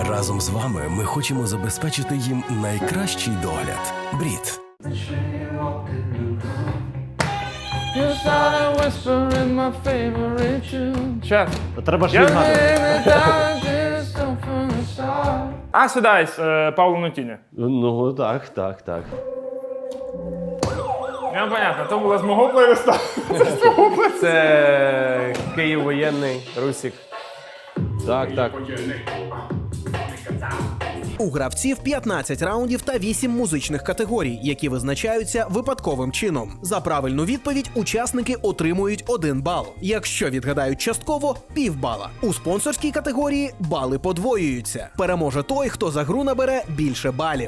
Разом з вами ми хочемо забезпечити їм найкращий догляд. Брід. You started whispering my favorite tune. Щас. Треба ж відгадувати. Acid Ice, Павло Нутіні. Ну, так. Ну, понятно, то було з мого плейлиста. Це Київ воєнний, Русік. Так. У гравців 15 раундів та 8 музичних категорій, які визначаються випадковим чином. За правильну відповідь учасники отримують 1 бал. Якщо відгадають частково – півбала. У спонсорській категорії бали подвоюються. Переможе той, хто за гру набере більше балів.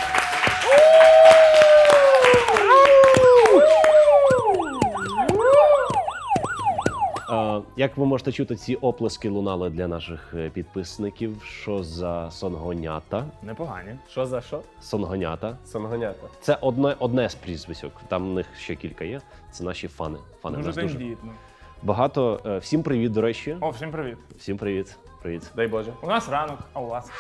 Як ви можете чути, ці оплески лунали для наших підписників. Що за сонгонята? Непогані. Що за що? Сонгонята. Сонгонята. Це одне з прізвисьок. Там в них ще кілька є. Це наші фани. Фани Дуже нас дуже тендітно. багато. Всім привіт, до речі. О, всім привіт. Всім привіт. Привіт. Дай Боже. У нас ранок, а у вас?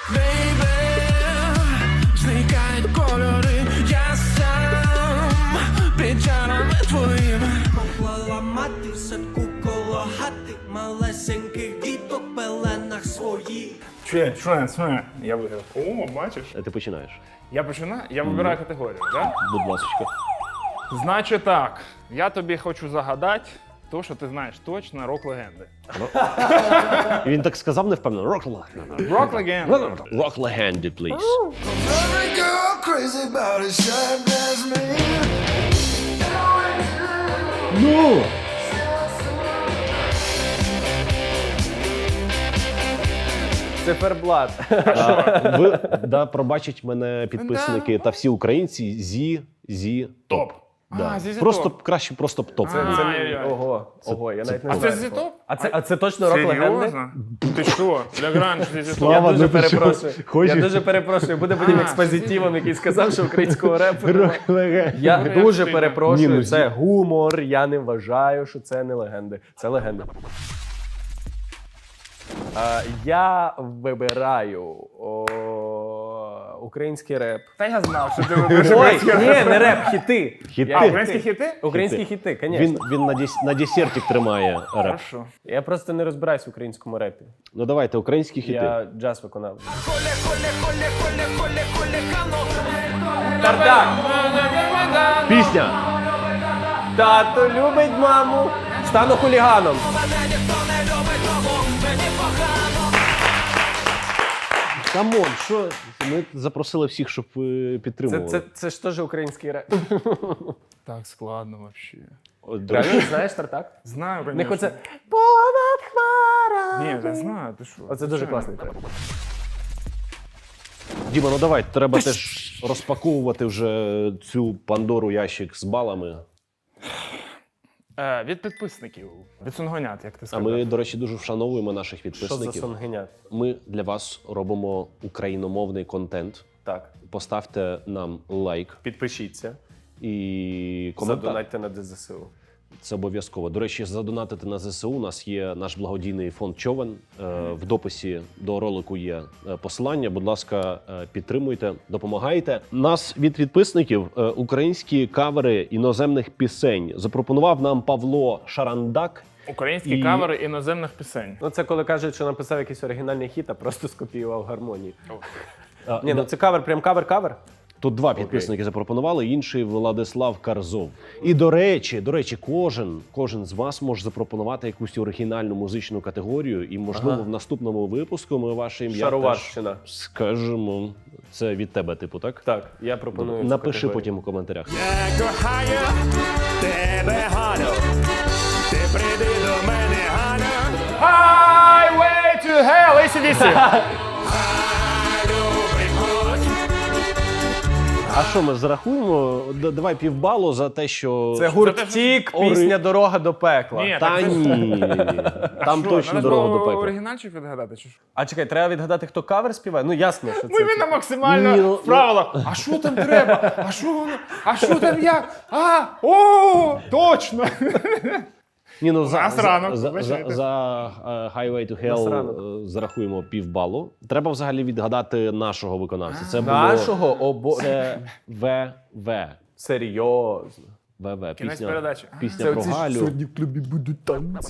Зникають кольори, я сам під чарами твоїм. Поклала мати в садку коло хати, малесеньких діток в пеленах своїх. Що? Я виграв. О, бачиш? Ти починаєш. Я починаю? Я вибираю категорію, так? Будь ласочка. Значить так, я тобі хочу загадати то, що ти знаєш точно, рок-легенди. І він так сказав невпевнено. Рок-легенди. Рок-легенди. Рок-легенди, please. Every girl crazy about a shine as me. Ну! Циферблат. Ви пробачать мене підписники та всі українці зі топ. Да. А, ZZ Просто Top. краще просто топ. Ай-яй-яй. Ого, я навіть не А це знаю. зі-топ? А це точно рок-легенди? Серйозно? Ти що? Лягранж, Я Слава, дуже ну ти що, перепрошую. хочеш? Я дуже перепрошую. Буде потім А, експозитивом, який сказав, що українського репу немає. Рок-легенди. Я Дуже дуже стильно. перепрошую, Ні, ну, це гумор, я не вважаю, що це не легенди. Це легенди. Я вибираю український реп. Та я знав, що ти вибереш. Ой, ні, не реп, хіти. Хіти. А, українські хіти? Українські хіти, звісно. Він на десертик тримає реп. Хорошо. Я просто не розбираюсь в українському репі. Ну давайте, українські хіти. Я джаз виконав. Пісня. Тато любить маму, стану хуліганом. Камон, що? Ми запросили всіх, щоб підтримували. Це ж теж український реп. Так складно вообще. От, до речі, Реально, знаєш Тартак? Знаю, В них конечно. оце понад хмарами. Ні, я знаю, ти що? Оце дуже класний трек. Діма, ну давай, треба теж розпаковувати вже цю Пандору ящик з балами. Від підписників, від сонгонят, як ти А сказав. ми, до речі, дуже вшановуємо наших Що за підписників. сонгенят? Ми для вас робимо україномовний контент. Так, Поставте нам лайк підпишіться, і коментар. задонатьте на ДЗСУ. Це обов'язково. До речі, задонатити на ЗСУ. У нас є наш благодійний фонд Човен. В дописі до ролику є посилання. Будь ласка, підтримуйте, допомагайте. Нас від підписників українські кавери іноземних пісень запропонував нам Павло Шарандак. Українські кавери іноземних пісень. Ну це коли кажуть, що написав якийсь оригінальний хіт, а просто скопіював гармонії. А, Ні, ну це кавер, прям кавер-кавер. Тут два підписники запропонували, інший Владислав Карзов. І до речі, кожен з вас може запропонувати якусь оригінальну музичну категорію, і можливо в наступному випуску ми ваше ім'я теж Шароварщина. скажемо. Це від тебе, типу, так? Так, я пропоную. цю Напиши категорію. потім у коментарях. Я кохаю тебе, Ганю, ти прийди до мене, Ганю. Highway to hell, ACDC. А що, ми зарахуємо? Давай півбалу за те, що... Це гурт Тік, пісня «Дорога до пекла». Ні, Та ні. Там Що, точно надо дорога було до пекла. оригінальчик відгадати, чи що? А чекай, треба відгадати, хто кавер співає? Ну ясно, що це. Ми на максимально Ні, ну, вправила. А що там треба? А що воно? А що там як? О, точно! Ні, ну нас ранок, за вибачайте. Highway to Нас Hell ранок. зарахуємо півбалу. Треба взагалі відгадати нашого виконавця. Це Нашого це ВВ. Серйозно. ВВ. Кінець передачі. Пісня про Галю. в клубі будуть танці.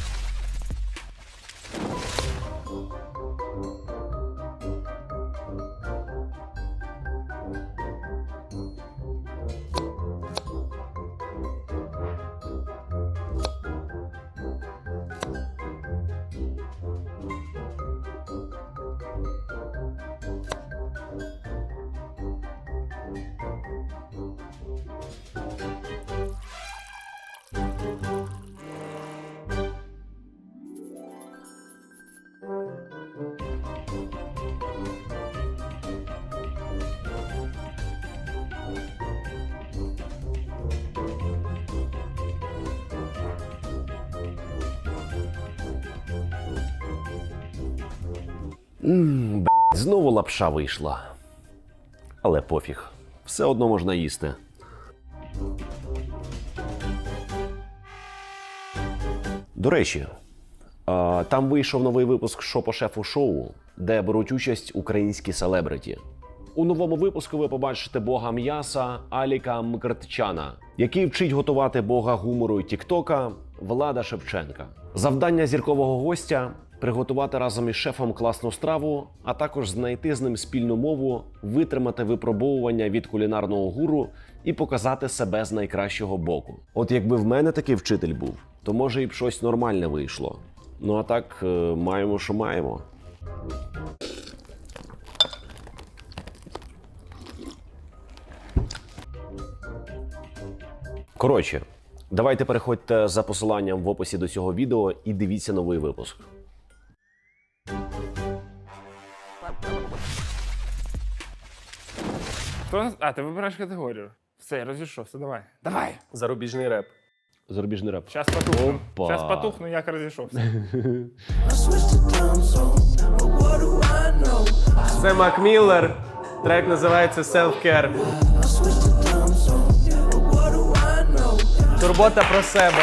Знову лапша вийшла. Але пофіг. Все одно можна їсти. До речі, там вийшов новий випуск «Шо по шефу шоу», де беруть участь українські селебриті. У новому випуску ви побачите бога м'яса Аліка Мкртчана, який вчить готувати бога гумору і тіктока Влада Шевченка. Завдання зіркового гостя – приготувати разом із шефом класну страву, а також знайти з ним спільну мову, витримати випробовування від кулінарного гуру і показати себе з найкращого боку. От якби в мене такий вчитель був, то може і б щось нормальне вийшло. Ну а так, маємо, що маємо. Коротше, давайте переходьте за посиланням в описі до цього відео і дивіться новий випуск. Ти вибираєш категорію. Все, я розійшовся, давай. Давай! Зарубіжний реп. Зарубіжний реп. Щас потухну. Опа. Щас потухну, як розійшовся. Це Мак Міллер. Трек називається Self-Care. Турбота про себе.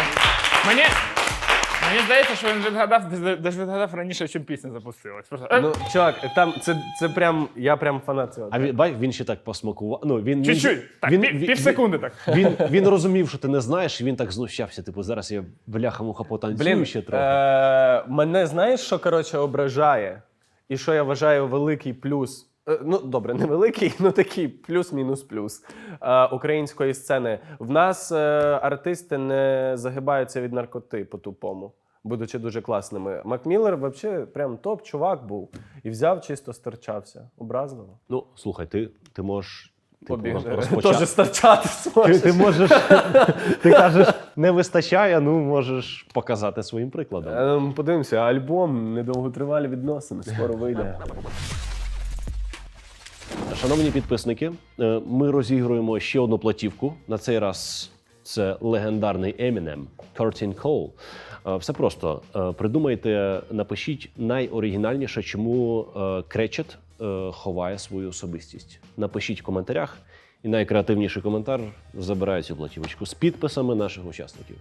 Мені здається, що він відгадав раніше, чим пісня запустилась. Просто, Ну, чувак, там це прям, я прям фанат цього. А він, бач, він ще так посмакував. Ну, він, чуть-чуть. Так, пів секунди так. Він розумів, що ти не знаєш, і він так знущався. Типу, зараз я бляха-муха потанцюю Блін, ще трохи. мене знаєш, що, коротше, ображає? І що я вважаю великий плюс, ну, добре, не великий, ну такий плюс-мінус плюс української сцени. В нас артисти не загибаються від наркоти по-тупому, будучи дуже класними. Мак Міллер взагалі прям топ-чувак був. І взяв, чисто стерчався. Образливо. Ну, слухай, ти можеш Побіг. розпочати. Теж стерчати зможеш. Ти можеш, ти кажеш, не вистачає, ну можеш показати своїм прикладом. Подивимося, альбом «Недовготривалі відносини» скоро вийде. Шановні підписники, ми розігруємо ще одну платівку. На цей раз це легендарний Eminem, Curtain Call. Все просто. Придумайте, напишіть найоригінальніше, чому Кречет ховає свою особистість. Напишіть в коментарях, і найкреативніший коментар забирає цю платівочку з підписами наших учасників.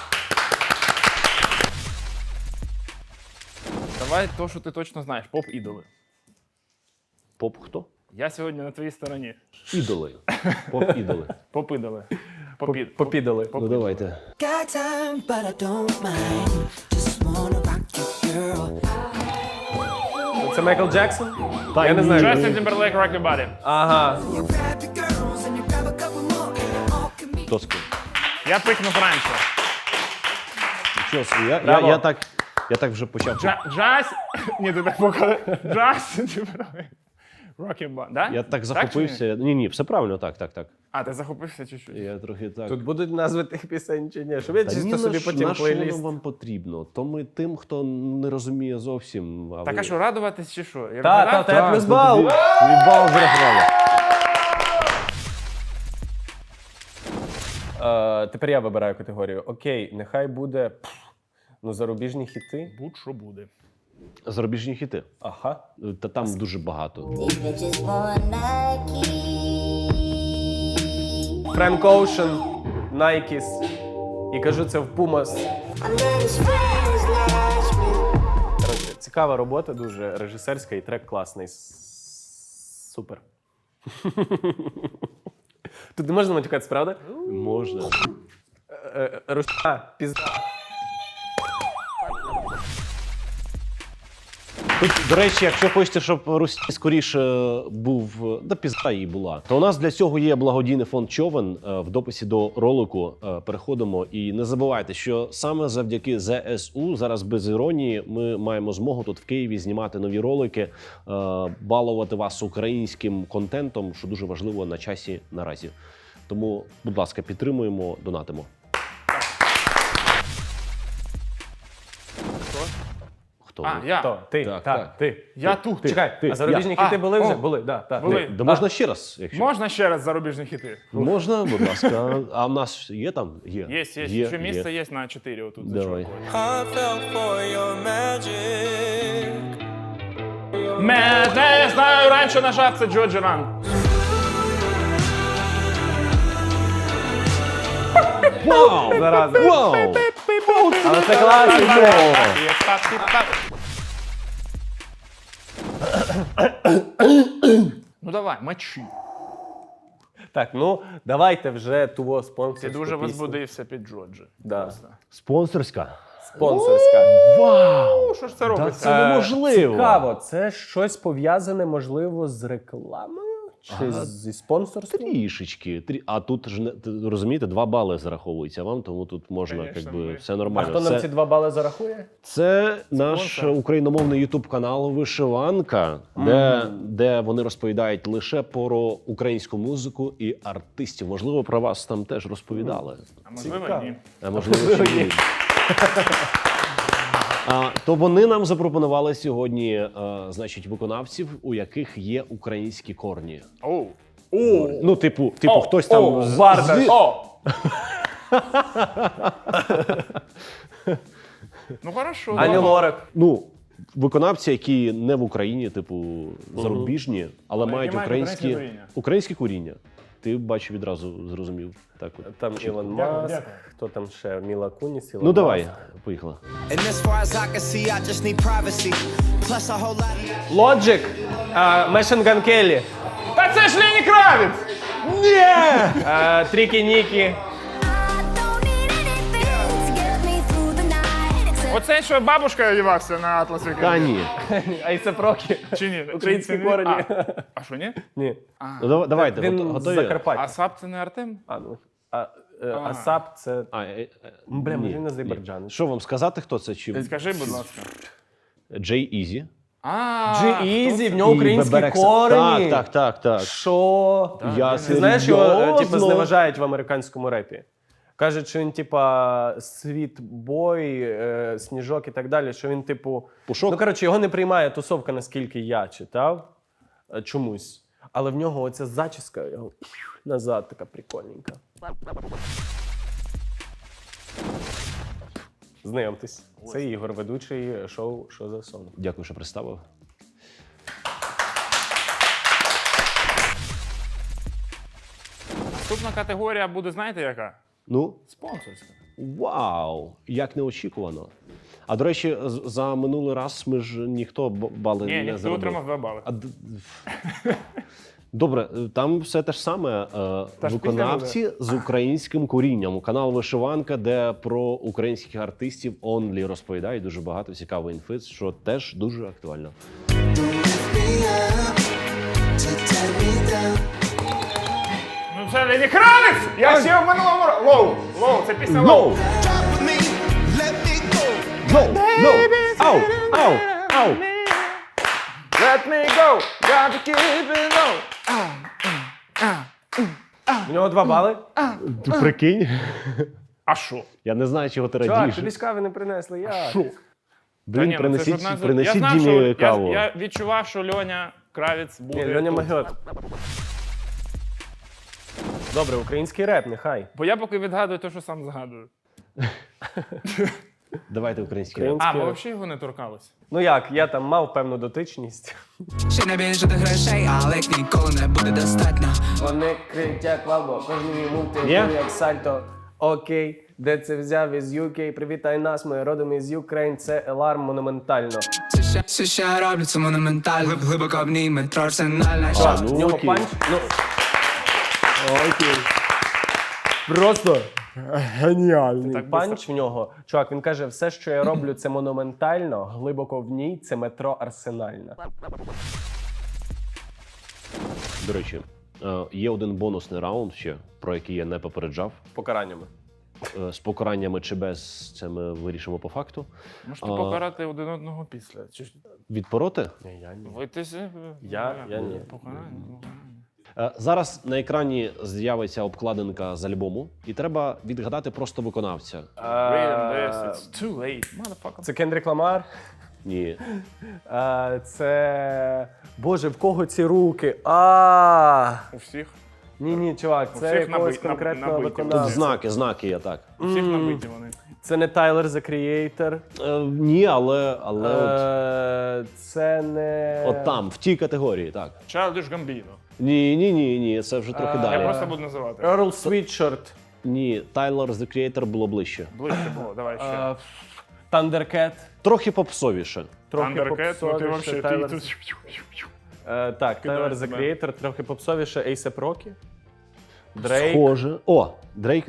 Давай то, що ти точно знаєш. Поп-ідоли. Поп хто? Я сьогодні на твоїй стороні. Ідоли. Поп-ідоли. Поп-ідоли. Попідали. Ну давайте. Got time, but I don't mind. Just wanna rock you, girl. Це Майкл Джексон? Та Я не ні. знаю. Justin Timberlake, Rock Your Body. Ага. You grab your girls and you grab a couple more, and it all can be. Хто з ким? Я пикнув раніше. Нічого собі, Браво. я так вже почав. Джаз... Ні, ти так показав. Justin Timberlake. Rock Your Body. Да? Я так чи захопився. Ні, все правильно, так. А, ти захопився чуть-чуть. Я трохи так. Тут будуть назви тих пісень чи ні? Щоб я Та чисто ні, собі потім на що воно плейліст. вам потрібно? То ми тим, хто не розуміє зовсім. Так, а що, радуватись чи що? Я Та, вгадав? та, плюс бал. Від бал зрахували. Тепер я вибираю категорію. Окей, нехай буде зарубіжні хіти. Будь-що буде. Зарубіжні хіти. Ага. Та там дуже багато. These bitches want Nike. Френк Оушен, Найкіс. І кажу це в Пумас. I let his friends last me. Коротше, цікава робота, дуже режисерська і трек класний. Супер. Тут не можна матюкатися, правда? Можна. Пізда. Тут, до речі, якщо хочете, щоб Русі скоріше був, да пізда їй була, то у нас для цього є благодійний фонд Човен. В дописі до ролику переходимо. І не забувайте, що саме завдяки ЗСУ, зараз без іронії, ми маємо змогу тут в Києві знімати нові ролики, балувати вас українським контентом, що дуже важливо на часі наразі. Тому, будь ласка, підтримуємо, донатимо. Хто? А, я. Хто? Ти. Так, Так, так. ти. Я тут. Чекай, ти. а зарубіжні Я. хіти були вже? О. Були, да, так. Були. Да можна ще раз, якщо. Можна ще раз зарубіжні хіти? Можна, будь ласка. А в нас є там? Є. Є. Ще місце є на 4 отут. за Давай. чуваком. I fell for your magic. Я знаю, раніше нажав, це Джо Джеран. Вау! Зараза. Вау! Але це класно. Ну давай, мочи. Так, ну давайте вже того спонсорську Ти дуже пісню. возбудився під Джоджі. Да. Спонсорська. Спонсорська. Вау! Що ж це Та робиться? це неможливо. Цікаво, це щось пов'язане, можливо, з рекламою? Чи зі спонсорством? Трішечки. А тут ж розумієте, 2 бали зараховуються вам, тому тут можна, Конечно, якби ми- все А нормально. хто нам ці 2 бали зарахує? Це наш україномовний ютуб канал Вишиванка, де вони розповідають лише про українську музику і артистів. Можливо, про вас там теж розповідали. А можливо, Цікаво. ні. А можливо, ще ні. То вони нам запропонували сьогодні, значить, виконавців, у яких є українські корні. Оу. Ну, типу, хтось там Барда. О! Ну хорошо. Ані давай. Лорак. Ну, виконавці, які не в Україні, типу, зарубіжні, але які мають мають українські українське коріння. Ти, бачу, відразу зрозумів. Так от. Там Ілон Маск, хто там ще? Міла Куніс, Ілон Ну, давай, Маск. поїхали. And as far as I can see, I just need privacy. Plus a whole lot of Logic, Machine Gun Kelly, Та це ж Лені Кравіц! Трікі Нікі. I don't need anything to get me through the night. Except Оце, що бабушка одівався на Атласі. Та ні. А і це Прокі. Чи ні? Українські Чи ні? корені. А що, ні? Ні. Ну, давайте, Він з готові? Закарпаття. А Сап це не Артем? Асап це... Бля, ні, може він ні. Азербайджан. Що вам сказати, хто це? Чи Скажи, будь ласка. Джей Ізі? G-Eazy, в нього І українські Беберекса. корені. Так. Що? Я Ти знаєш, його серйозно? типу, зневажають в американському репі. Кажуть, що він, типа, світбой, сніжок і так далі, що він, типу. Пушок? Ну, коротше, його не приймає тусовка, наскільки я читав чомусь. Але в нього оця зачіска його назад така прикольненька. Знайомтесь. Це Ігор, ведучий шоу «Що за сон». Дякую, що представив. Наступна категорія буде, знаєте, яка? Ну, Спонсорська. вау! Як неочікувано. А до речі, за минулий раз ми ж ніхто бали Ні, не ніхто заробив. отримав 2 бали. Добре, там все те ж саме. Виконавці з українським корінням. Канал Вишиванка, де про українських артистів онлі розповідають дуже багато цікавої інфи, що теж дуже актуально. Ну це Лені Кравіц! Я ще в минулому році. Лоу, це пісня Лоу. drop with me. Let me go. Ау! Ау! Ау! Let me go, got to keep it low. У нього 2 бали. Ти прикинь? А що? Я не знаю, чого ти Чувак, радієш. тобі ж кави не принесли. Я. Та Блін, ні, ну це ж одна принесіть я знав, Дімі що каву. я відчував, що Льоня Кравіц буде. Ні, Льоня тут. Магіот. Добре, український реп, нехай. Бо я поки відгадую те, що сам згадую. Давайте український. Український А, ми реп. взагалі його не торкались. Ну як, я там мав певну дотичність. Ще не більше до грошей, але їх ніколи не буде достатньо. Вони кричать валбо, кожен мій мув Є? як сальто. Окей, Де це взяв із UK? Привітай нас, ми родом із Ukraine. Це Еларм монументально. Все, що я роблю, це монументально. Глибоко в ній метро арсенальна. ну, В нього окей. панч. Ну. Окей. Просто геніальний так панч в нього. Чувак, він каже, все, що я роблю, це монументально, глибоко в ній це метро арсенальна. До речі, є один бонусний раунд ще, про який я не попереджав. Покараннями. З покараннями чи без, це ми вирішимо по факту. Можете покарати один одного після. Чи ж Відпороти? Я ні. вийтеся? Я ні. Зараз на екрані з'явиться обкладинка з альбому, і треба відгадати просто виконавця. It's too late, motherfucker. Це Кендрік Ламар. Ні. Це. Боже, в кого ці руки? У всіх? Ні, чувак, У це всіх якогось наби- конкретного набиті. Тут виконавця. знаки є так. У всіх набиті вони. Це не Тайлер The Creator. Ні, але Це не. от там, в тій категорії, так. Childish Gambino. Ні, це вже трохи Я далі. просто буду називати. Earl Sweatshirt. Ні, Tyler, The Creator було ближче. Ближче було, давай ще. Thundercat. Трохи попсовіше. Трохи Thundercat, ну ти попсовіше. вообще, ти Tyler- тут... Так, Tyler The себе. Creator, трохи попсовіше. A$AP Rocky. Дрейк. Схоже. О, Дрейк.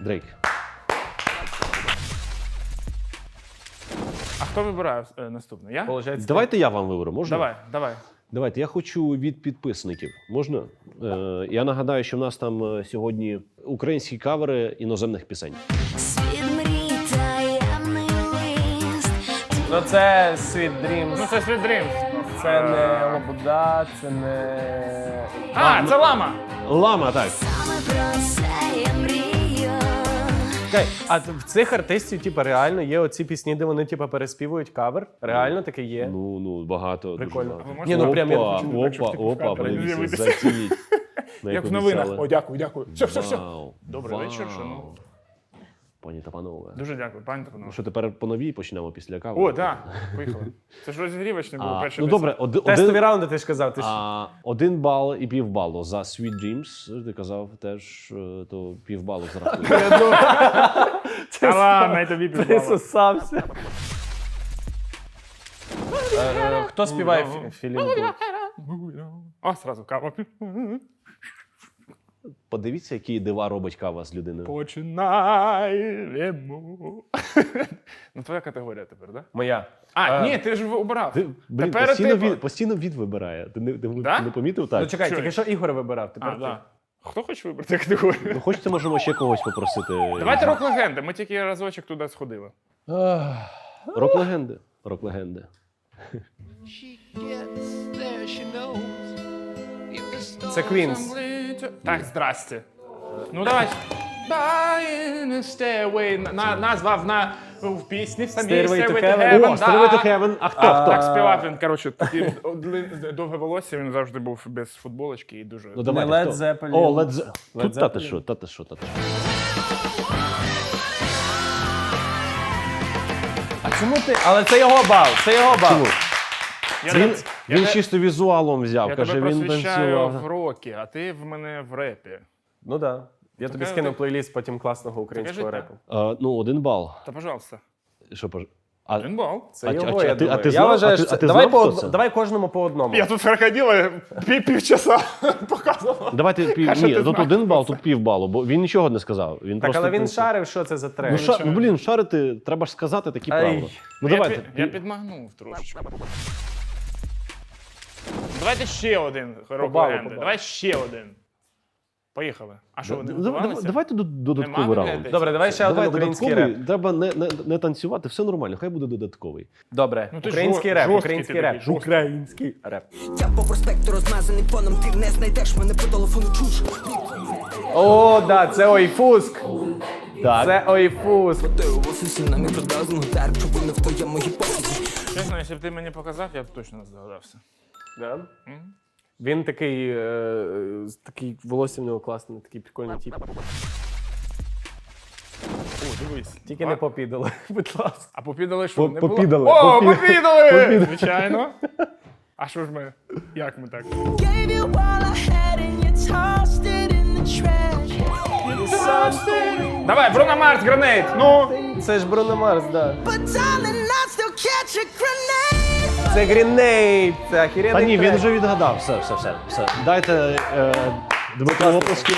А хто вибирає наступний? Я? Получається, Давайте я вам виберу, можна? Давай. Давайте, я хочу від підписників. Можна? Я нагадаю, що в нас там сьогодні українські кавери іноземних пісень. Світ мрій таємний лист. Ну це Sweet Dreams. Ну це Sweet Dreams. Це не Лобода, це не. Це Лама. Лама, так. Саме про це я мрію. Чекай, а в цих артистів, типу, реально є оці пісні, де вони типу, переспівують кавер? Реально таке є? Ну, багато. Прикольно. Дуже багато. Ні, ну, прям я хочу, Опа, подивіться, зацініть. Як в новинах. О, дякую. Все. Вау. Добрий вечір, Вау. шановні. Пані та панове. Дуже дякую, пані Тапановна. Ну що, тепер по новій почнемо після кави? О, так, поїхали. Це ж розігрівочне було перше. Ну добре, Тестові раунди, ти ж казав. Ти ж... 1 бал і півбалу за Sweet Dreams. Ти казав теж, то півбалу зарахує. Та ладно, я тобі Ти підбала. сосався. Хто співає Філін? О, сразу кава. Подивіться, які дива робить кава з людиною. Починаємо. Ну, твоя категорія тепер, так? Моя. Ні, ти ж обирав. Блін, Тепер ти... постійно від вибирає. Ти не Да? помітив Ну так? чекай, Що? тільки що Ігор вибирав, тепер ти. Да. Хто хоче вибрати категорію? Ну, хочете, можемо ще когось попросити. Давайте рок-легенди. Ми тільки разочок туди сходили. Рок-легенди. Рок-легенди. Це Queens. Так, здрасте. Ну давай. Назва в пісні в самій Stairway to Stairway to Heaven. Heaven. О, Stairway to Heaven. А хто? Так співав він, коротше, таке довге волосся, він завжди був без футболочки і дуже... Ну, давайте, Led хто? Zeppelin. О, Led Zeppelin. Led Тут та ти Zeppelin. що, та ти що. А чому ти? Але це його бал, це його бал. Чому? Я Він, тебе- він я чисто візуалом взяв, Я каже, тебе він просвіщаю в танцював. рокі, а ти в мене в репі. Ну так. Да. Я тобі Таке- скину плейліст потім класного українського життя. репу. Ну, 1 бал. Та, пожалуйста. Що, Один бал. Це А його, ти- я а ти думаю. Я знав? вважаю, А ти- що а ти давай, знав, хто це? давай кожному по одному. Я тут крокодила півчаса показував. Давайте А що ні, ти тут знаєш 1 бал, тут півбалу, бо він нічого не сказав. Він Так, просто але він танцює. шарив, що це за трек. Ну, блін, шарити, треба ж сказати такі Ай. правила. Ну, давайте. Я підмагнув трошечки. Давайте ще один рок-легенди. Давай ще один. Поїхали. А що, вони готувалися? Давайте додатковий Нема раунд. вигляду? Добре, давай ще один Давай український додатковий. реп. Треба не танцювати, все нормально, хай буде додатковий. Добре, Ну, ти український жорсткий реп, ти український такий, реп. жорсткий. Український реп. Я по проспекту розмазаний фоном, ти не знайдеш мене по телефону чуш. О, да, це Ойфуск. Так. Це Ойфуск. Ти у офісі на мікродазну гітар, чому не в твоєму гіпотезі. Чесно, якщо б ти мені показав, я б точно не здогадався. Да? Він такий, такий волосся в нього класний, такий прикольний тип. О, дивись. Тільки не попідали, будь ласка. А попідали що? Не було? попідали, О, попідали! Звичайно. А що ж ми? Як ми так? Gave you all I had and you tossed it in the trash. Давай, Бруно Марс, Гранейт. Ну. Це ж Бруно Марс, да. But darling, I still catch a grenade. Це Грінейд, це охеренний Та ні, він трек. вже відгадав. Все. Дайте Дмитру оплески.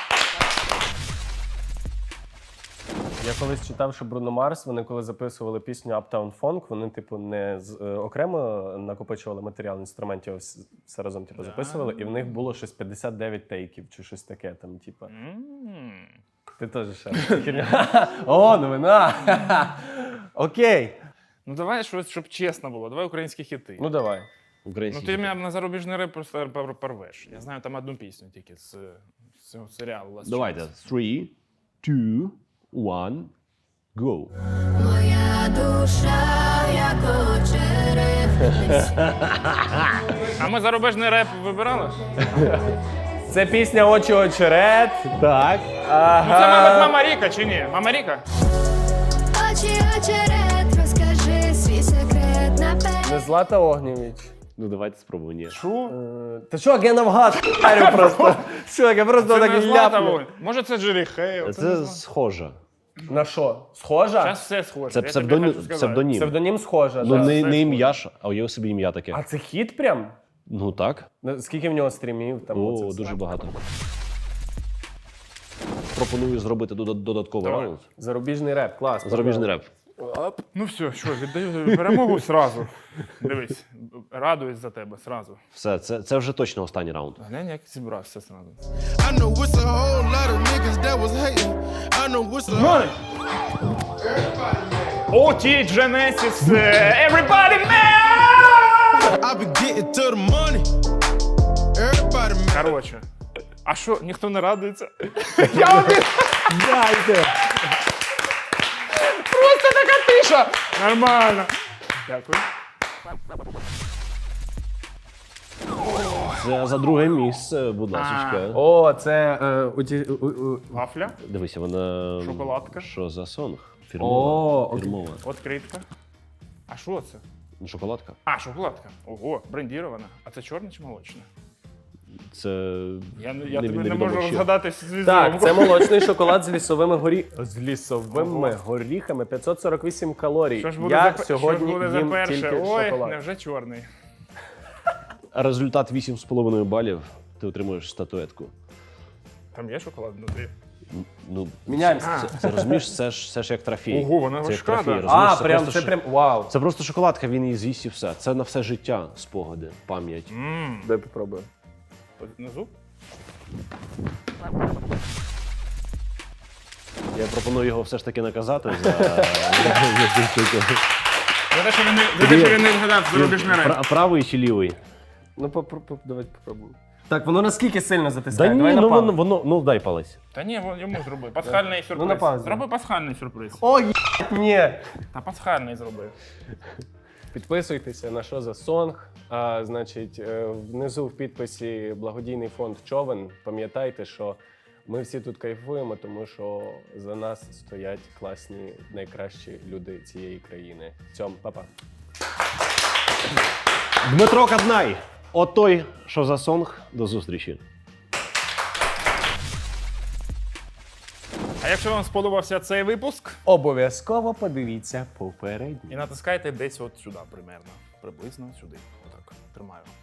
Я колись читав, що Бруно Марс, вони коли записували пісню Uptown Funk, вони, типу, не окремо накопичували матеріал інструментів, а все разом типу, записували, і в них було щось 59 тейків чи щось таке там, типу. Ти теж ще. Херня. О, новина! Окей. Ну давай щось, щоб чесно було. Давай українські хіти. Ну давай. Ну Український. ти мене на зарубіжний реп просто порвеш. Я знаю там одну пісню тільки з цього серіалу. Last Давайте. Chance. 3, 2, 1, go. Моя душа, як очерет. А ми зарубіжний реп вибирали? Це пісня «Очі очерет». Так. Ну це, мабуть, Мама Ріка чи ні? Мама Ріка? Очі очерет, розкажи свій секрет наперед. Не Злата Огнєвіч. Ну давайте спробуємо. Ні. Що? Та що, я навгад харю просто. Що, я просто Це так не Злата ляпну. Вогонь. Може це Джері Хейл? Це схоже. На що? Схожа? Зараз все схоже. Це Я тобі хочу сказати. псевдонім. Псевдонім схожа, Ну так. не все ім'я ж, а уяви собі ім'я таке. А це хіт прям? Ну так. Скільки в нього стрімів? Там оце О, все? дуже багато. Пропоную зробити додатковий Давай. раунд. Зарубіжний реп, клас. Зарубіжний реп. Ну все, що, віддаю перемогу сразу. Дивись, радуюсь за тебе сразу. Все, це вже точно останній раунд. Глянь, як зібрався сразу. I know it's a whole lot of niggas that was hating. I know it's a OT Genesis, everybody man! I be getting to the money. Everybody mad. Короче, а що, ніхто не радується? Я один! Дайте! Просто така тиша! Нормально. Дякую. Це за друге місце, будь ласка. О, це... Вафля, Дивися, вона. Шоколадка. Що за сонг? О, Фірмова. окей. Фірмова. відкритка. А що це? Ну, шоколадка. А, шоколадка. Ого, брендірована. А це чорне чи молочне? Це. Я невідомо тобі не можу ще. розгадати з Так, це молочний шоколад з лісовими горіхами, 548 калорій. Що ж буде Я за, сьогодні що ж буде за їм перше? тільки Ой, шоколад. невже чорний. Результат 8,5 балів. Ти отримуєш статуетку. Там є шоколад внутрі? Ну, Міняємося. це розумієш, це ж як трофей. Ого, вона це як важка, трофей, да. розумієш? А, прям, це прям, вау. Це просто шоколадка, він її з'їсть і все. Це на все життя спогади, пам'ять. Дай попробую. Внизу? Я пропоную його все ж таки наказати за За те, що він не вгадав зарубіжний реп. правий чи лівий. Ну, давайте попробуємо. Так, воно наскільки сильно Да затискає? ні, Давай ну на воно, паузу. ну дай палець. Та ні, йому зроби. Пасхальний сюрприз. на паузу. Зроби пасхальний сюрприз. Ой, ні. Та пасхальний зроби. Підписуйтеся на «Що за сонг?». Значить, внизу в підписі благодійний фонд Човен. Пам'ятайте, що ми всі тут кайфуємо, тому що за нас стоять класні, найкращі люди цієї країни. Цьом, па-па. Дмитро Каднай. От той, що за сонг. До зустрічі. А якщо вам сподобався цей випуск, Обов'язково подивіться попередній. і натискайте десь от сюди, приблизно сюди. Отак, тримаю.